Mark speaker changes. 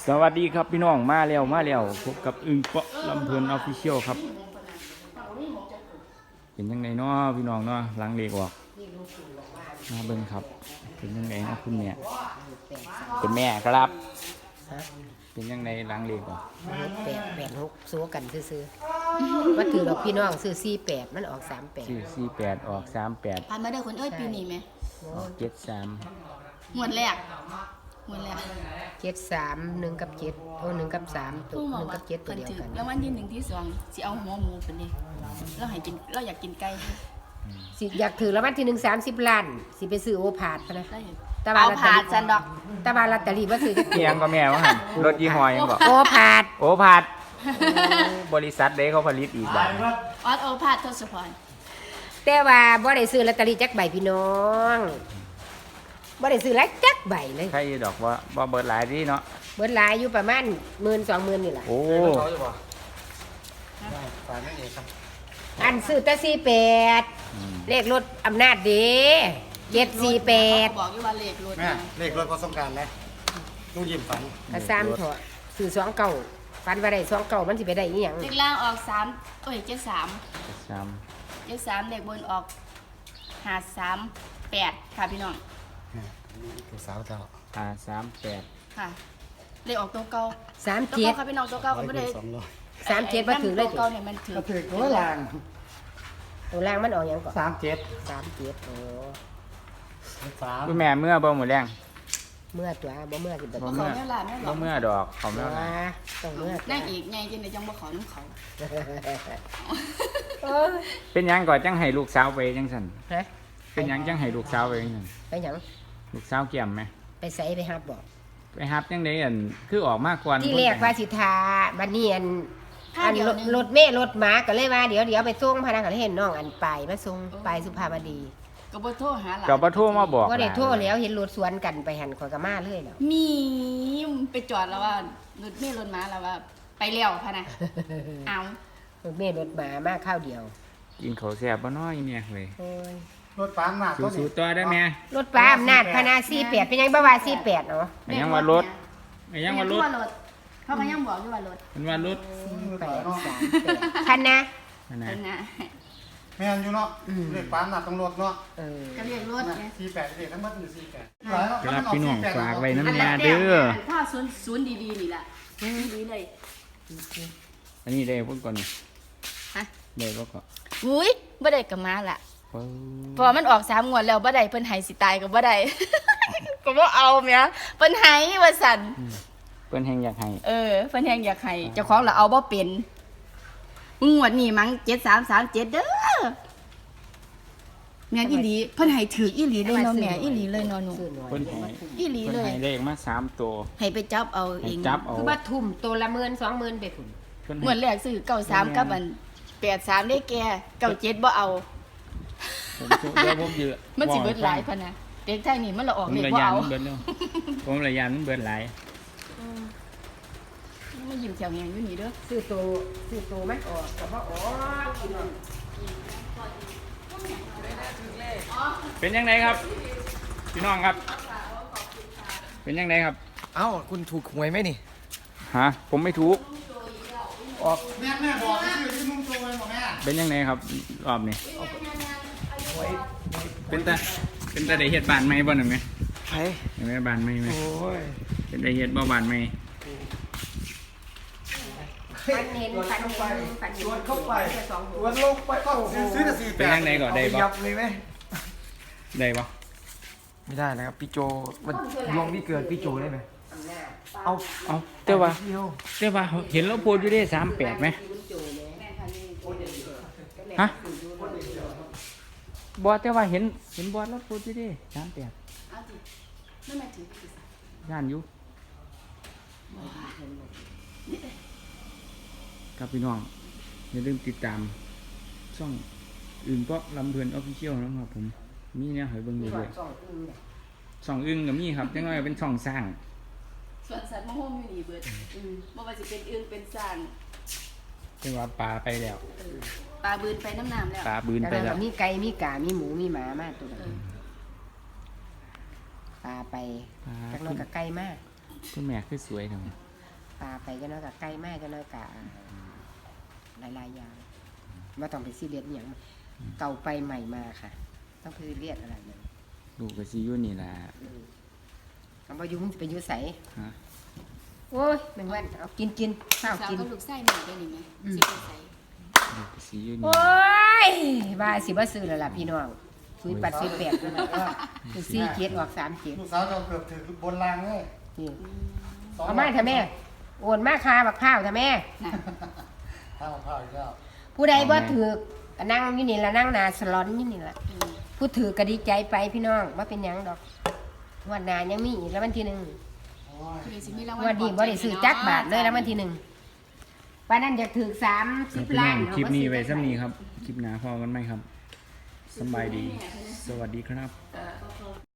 Speaker 1: วัสดีครับพี่น้องมาแล้วพบกับอึ่งเปาะลำเพลินออฟฟิเชียลครับเป็นยังไงเนาะพี่น้องเนาะล้างเลกออกมาเบิ่งครับเป็นยังไงนะคุณแม่เป็นแม่ครับเป็นยังไงล้างเลกออก
Speaker 2: 886สู้กันซื้อๆว่าถือดอกพี่น้องซื้อ48มันออก38
Speaker 1: ชื่อ48ออก38
Speaker 3: ผ่านมาเด้อคนเอ้ยปีนี้ไหม
Speaker 1: ออก73
Speaker 3: หมวดแรก
Speaker 2: 73 1กับ7โอ้1กับ3ตัว1กับ7ตัวเดียวกัน
Speaker 3: แล้ววันที่1ที่2สิเอาหัวหมูเป็นนี่เราให้กินเราอยากกินไก่
Speaker 2: สิอยากถือรางวัลที่1 30ล้านสิไปซื้อโอผาดนะ
Speaker 3: เอาผาดซันดอก
Speaker 2: ตะบานลอตเตอรี่บ่ซื้อจักเที่ย
Speaker 1: งก็แม่ว่าหั่นรถยี่ห้อยังบอก
Speaker 2: โอผาด
Speaker 1: บริษัทเด้เขาผลิตอีกบัด
Speaker 3: ออสโอผาดทศพร
Speaker 2: แต่ว่าบ่ได้ซื้อลอตเตอรี่จักใบพี่น้องบ่ได้ซื้อหลายจักใบเลย
Speaker 1: ใครดอกว่าเบิดหลายดีเนาะ
Speaker 2: เบิดหลายอยู่ประมาณ 10,000-20,000 นี่ล่ะ
Speaker 1: โอ้
Speaker 2: อันซื้อแต่48เลขรถอำนาจเด้748
Speaker 3: บอกอยู่ว่าเลขรถ
Speaker 4: แม่เลขรถพอสงการแล้วลูกยิ้มฝัน
Speaker 2: ก็3เถาะซื้อ29ฝันว่าได้29มันสิไปได้อีหยัง
Speaker 3: เลขล่างออก3เอ้ย73เลขบนออก538ค่ะพี่น้อง
Speaker 4: ลูกสาวเจ้า
Speaker 1: 38
Speaker 3: ค่ะเลขออกตัวเก่า
Speaker 2: 37
Speaker 3: ค่ะพี่น้องตัวเก่าก็บ่ได้
Speaker 2: 37บ่ถือเลย
Speaker 3: ตัวเก่าเนี่ยมันถือ
Speaker 4: ตัวล่าง
Speaker 2: ตัวล่างมันออกหยังก่อน
Speaker 4: 37
Speaker 2: โอ้
Speaker 1: คุณแม่เมื่อบ่หมดแรง
Speaker 2: เมื่อตัวบ่เมื่อสิบ่
Speaker 3: เขาเนี่ยล่ะแม่บอก
Speaker 1: บ่เมื่อดอกเขาแม่
Speaker 2: ต้องเมื่อ
Speaker 3: นั่งอีกไงจังได๋จังบ่ขอน้ำเขา
Speaker 1: เป็นหยังก่อนจังให้ลูกสาวไปจังซั่น
Speaker 2: ฮะ
Speaker 1: เป็นหยังจังให้ลูกสาวไปจังซั่น
Speaker 2: ไปหยัง
Speaker 1: ลูกสาวเกี่ยมไหม
Speaker 2: ไปไสไปฮับบ่
Speaker 1: ไปฮับจังได๋อันคือออกมาก่อน
Speaker 2: ที่แรกว่าสิทาบัดนี้อันรถเมล์รถหมาก็เลยว่าเดี๋ยวไปส่งพนักงานเห็นน้องอันไปมาส่งไปสุภาพดี
Speaker 3: ก็บ่โทรหาหลาน
Speaker 1: ก็บ่โทรมาบอก
Speaker 2: บ่ได้โทรแล้วเห็นรถสวนกันไปหันข่อยก็มาเลยแล้ว
Speaker 3: มีไปจอดแล้วว่ารถเมล์รถหมาแล้วว่าไปแล้วพะนะเอา
Speaker 2: รถเมล์รถหมามาข้าวเดียว
Speaker 1: กินข้าวแซ่บบ่น้อยเนี่ยเว้ย
Speaker 2: โอ้ย
Speaker 4: รถปั๊มมา
Speaker 1: สู้ๆต่อได้แม่
Speaker 2: รถป้าอำนาจพนา48เป็นยังบ่ว่า48เนาะ
Speaker 1: ยังว่ารถยังว่ารถ
Speaker 3: เขาก็ยังบอกอยู่ว่ารถ
Speaker 1: มันว่ารถ
Speaker 2: 4838คันนะ
Speaker 4: แม่นอยู่เนาะเลขปั๊มน่ะต้องรถเนาะ
Speaker 3: ก็เรียกรถไง
Speaker 4: 48เลขทั้งหมดอยู่48
Speaker 1: ครับพี่น้องฝากไว้น้ำยาเด้อ
Speaker 3: ถ้าศูนย์ดีๆนี่ล่ะดีเลย
Speaker 1: อันนี้ได้พุ่นก่อน
Speaker 3: ฮะ
Speaker 1: ได้บ่ก่อน
Speaker 3: อุ้ยบ่ได้ก็มาล่ะพอมันออก3งวดแล้วบ่ได้เพิ่นให้สิตายก็บ่ได้ก็บ่เอาแม่เพิ่นให้ว่าซั่น
Speaker 1: เพิ่นแฮงอยากให้
Speaker 3: เพิ่นแฮงอยากให้เจ้าของล่ะเอาบ่เป็นงวดนี้มั้ง7337เด้อแม่นอีหลีเพิ่นให้ถืออีหลีเลยเนาะแม่อีหลีเลยเนาะหนู
Speaker 1: เพิ่นให้
Speaker 3: อีหลีเลย
Speaker 1: ให้เลขมา3ตัว
Speaker 3: ให้ไปจับเอาเอง
Speaker 2: คือว่าทุ่มตัวละ10,000-20,000ไปพุ่น
Speaker 3: เหมือนแรกซื้อ93กับอัน83ได้แก่97บ่เอามันสิเบิดหลายพะนะเด็กไทยนี่มันละออกเลขบ่เอา
Speaker 1: ผมระยานมันเบิดหลาย
Speaker 3: มันยิ้มแถวแหงอยู่นี่เด้อ
Speaker 2: ซื้อตัวมันออกก็บ่ออก
Speaker 1: เป็นยังไงครับพี่น้องครับเป็นยังไงครับ
Speaker 4: เอ้าคุณถูกหวยไหมนี่
Speaker 1: ฮะผมไม่ถูก
Speaker 4: ออกแม่บอกชื่อที่นุ่มตัวเลยบอกแม่
Speaker 1: เป็นยังไงครับรอบนี้เป็นตาได้เฮ็ดบ้านใหม่บ่นั่นไหม
Speaker 4: ใช่
Speaker 1: เห็นไหมบ้านใหม่ไหม
Speaker 4: โอ้ย
Speaker 1: เป็นได้เฮ็ดบ่บ้านใหม่
Speaker 2: ฟันเห็น
Speaker 4: เข้าไปวันลงไปก็ซื้อแต่48
Speaker 1: เป็นยังไงก็ได้บ่
Speaker 4: ยับเลยไหม
Speaker 1: ได้บ่
Speaker 4: ไม่ได้นะครับพี่โจมันลงที่เกิดพี่โจได้ไหมเอา
Speaker 1: แต่ว่าเห็นแล้วโพสอยู่ได้38ไหมฮะบอสแต่ว่าเห็นบอสแล้วโพสอยู่ได้38ย่านอยู่ครับพี่น้องอย่าลืมติดตามช่องอื่นเพราะลำเพลินออฟฟิเชียลนะครับผมมีเนี่ยหอยเบิ่งด้วยช่องอึ้งกับมีครับจังไงเป็นช่องสร้าง
Speaker 3: ส่วนสัตว์มะม่วงอยู่นี่เบิดบ่ว่าสิเป็นอึ่งเป็นสร้าง
Speaker 1: เป็นว่าปลาไปแล้ว
Speaker 3: ปลาบืนไปน้ำแล้ว
Speaker 1: ปลาบืนไปแล้ว
Speaker 2: มีไก่มีกามีหมูมีหมามาตัวปลาไปจักน้อยก็ไก่มาก
Speaker 1: คุณแม่คือสวยจัง
Speaker 2: ปลาไปจังน้อยกับไก่แม่จังน้อยกับหลายๆอย่างไม่ต้องไปซีเรียสอหย่างเก่าไปใหม่มาค่ะ ต้องไปซีเรียสอะไรเลย
Speaker 1: ลูกก็สิอยู่นี่ล่ะ
Speaker 2: คำว่ายุ่งไปยุ่ใส
Speaker 1: ฮะ
Speaker 2: โอ้ยแมงวันเอากินข้าว
Speaker 3: สาว
Speaker 2: กิน
Speaker 3: ก็ลูกไส้แม่ได้นี่แม่สิไปใส่
Speaker 1: ลูกก็สิอยู่นี่
Speaker 2: โอ้ยว่าสิบ่ซื้อแล้วล่ะพี่น้องซื้อปัดซื้อแปดนั่นแหละก็คือซี่เจ็ดออก3
Speaker 5: ลูกสาวเราเกือบถึงบนรางเลย
Speaker 2: นี่เอามาเถอะแม่โอนมาคาบักข้าวเถอะแม่
Speaker 3: น่ะ
Speaker 5: ข้าวข้าวอีกแล้ว
Speaker 2: ผู้ใดบ่ถือกนั่งอยู่นี่ละนั่งหนาสลอนอยู่นี่ละผู้ถือกก็ดีใจไปพี่น้องว่าเป็นหยังดอกงวันหน้ายังมีอีกแล้ววันที่ 1
Speaker 5: โอ้ย
Speaker 3: คือสิมีรางวัล
Speaker 2: งวันนี้บ่ได้ซื้อจักบาทเลยแล้ววันที่ 1ป้านั่นอยากถือก
Speaker 1: ครับ
Speaker 2: 30
Speaker 1: พี่น้
Speaker 2: ล้า
Speaker 1: อน งคลิปนี้ไว้
Speaker 2: เอามาซื้อ
Speaker 1: ซ้ำนี้ครับคลิปหน้าพอกันไหมครับสำบายดี สวัสดีครับ
Speaker 3: เออ